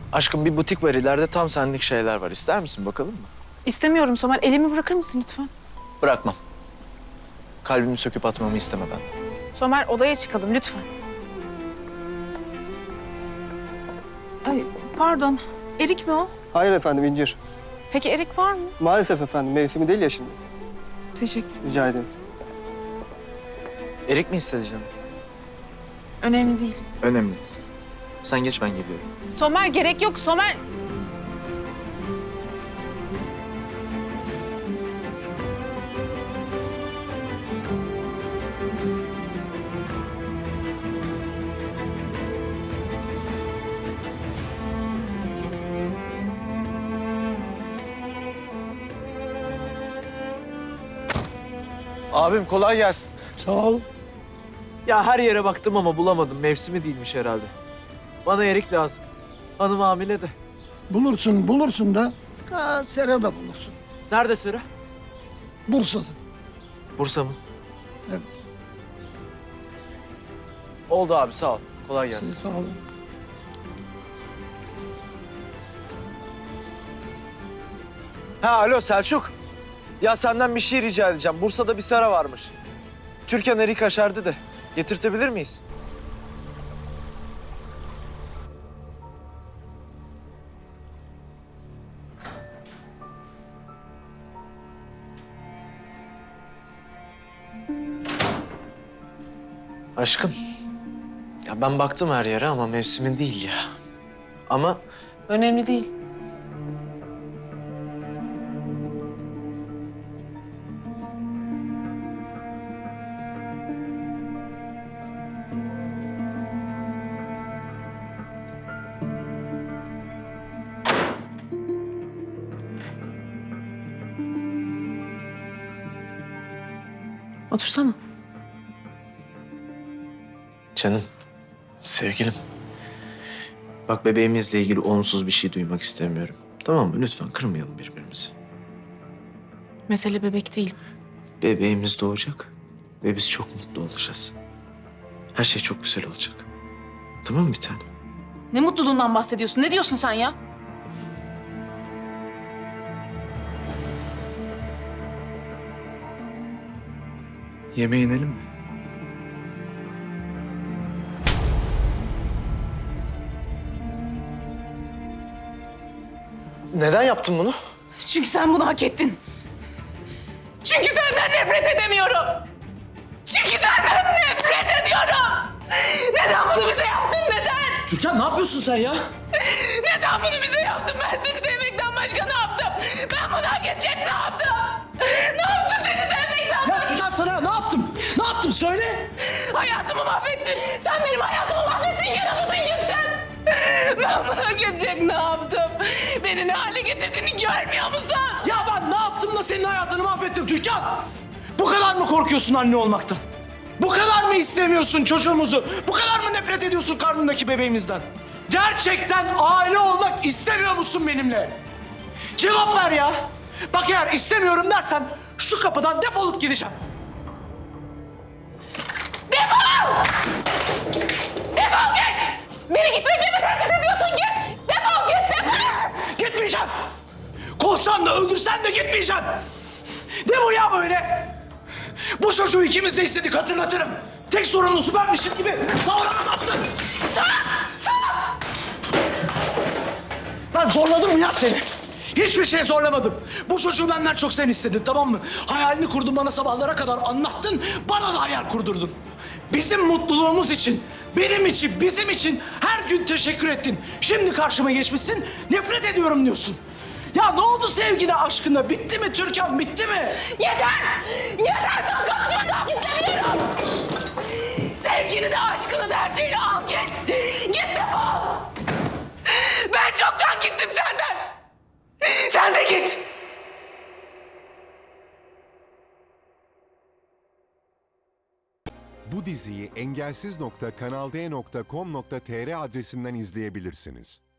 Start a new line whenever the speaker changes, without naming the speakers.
Aşkım bir butik var ileride, tam senlik şeyler var. İster misin, bakalım mı?
İstemiyorum Somer. Elimi bırakır mısın lütfen?
Bırakmam. Kalbimi söküp atmamı isteme ben.
Somer, odaya çıkalım lütfen. Ay, pardon. Erik mi o?
Hayır efendim, incir.
Peki erik var mı?
Maalesef efendim, mevsimi değil ya şimdi.
Teşekkür.
Rica ederim.
Erik mi isteyeceğim?
Önemli değil.
Önemli. Sen geç, ben geliyorum.
Somer, gerek yok Somer.
Abim kolay gelsin.
Sağ ol.
Ya her yere baktım ama bulamadım. Mevsimi değilmiş herhalde. Bana erik lazım. Hanım hamile de.
Bulursun da Sera da bulursun.
Nerede Sera?
Bursa'da.
Bursa mı?
Evet.
Oldu abi, sağ ol. Kolay gelsin.
Size sağ olun.
Ha alo Selçuk. Ya senden bir şey rica edeceğim. Bursa'da bir sera varmış. Türkan erik aşerdi de. Getirtebilir miyiz? Aşkım. Ya ben baktım her yere ama mevsimin değil ya. Ama
Önemli değil. Otursana.
canım, sevgilim. Bak bebeğimizle ilgili olumsuz bir şey duymak istemiyorum. Tamam mı? Lütfen kırmayalım birbirimizi.
Mesele bebek değil.
Bebeğimiz doğacak ve biz çok mutlu olacağız. Her şey çok güzel olacak. Tamam mı bir tane?
Ne mutluluğundan bahsediyorsun? Ne diyorsun sen ya?
Yemeğe inelim mi? Neden yaptın bunu?
Çünkü sen bunu hak ettin. Çünkü senden nefret edemiyorum. Çünkü senden nefret ediyorum. Neden bunu bize yaptın, neden?
Türkan ne yapıyorsun sen ya?
Neden bunu bize yaptın? Ben seni sevmekten başka ne yaptım? Ben bunu hak edecek ne yaptım? Ne yaptın seni sevmekten başka?
Ya Türkan sana ne yaptım? Ne yaptım söyle.
Hayatımı mahvettin. Sen benim hayatımı mahvettin, yaraladın, yıktın. Ben bunu hak edecek ne yaptım? Beni ne hale getirdiğini görmüyor musun?
Ya ben ne yaptım da senin hayatını mahvettim Türkan? Bu kadar mı korkuyorsun anne olmaktan? Bu kadar mı istemiyorsun çocuğumuzu? Bu kadar mı nefret ediyorsun karnındaki bebeğimizden? Gerçekten aile olmak istemiyor musun benimle? Cevap ver ya. Bak eğer istemiyorum dersen şu kapıdan defolup gideceğim.
Defol! Defol git! Beni gitmekle mi tehdit ediyorsun? Git! Defol git! Defol!
Gitmeyeceğim. Kovsan da öldürsen de gitmeyeceğim. Ne bu ya böyle? Bu çocuğu ikimiz de istedik hatırlatırım. Tek sorumlusu benmişim gibi davranamazsın.
Sus! Sus!
Ben zorladım mı ya seni? Hiçbir şey zorlamadım. Bu çocuğu benden çok sen istedin, tamam mı? Hayalini kurdun, bana sabahlara kadar anlattın. Bana da hayal kurdurdun. Bizim mutluluğumuz için, benim için, bizim için her gün teşekkür ettin. Şimdi karşıma geçmişsin, nefret ediyorum diyorsun. Ya ne oldu sevgine, aşkına? Bitti mi Türkan, bitti mi?
Yeter! Yeter! Sus konuşma, daha istemiyorum! Sevgini de aşkını da her şeyini al git! Git defol! Ben çoktan gittim senden! Sen de git!
Bu diziyi engelsiz.kanalde.com.tr adresinden izleyebilirsiniz.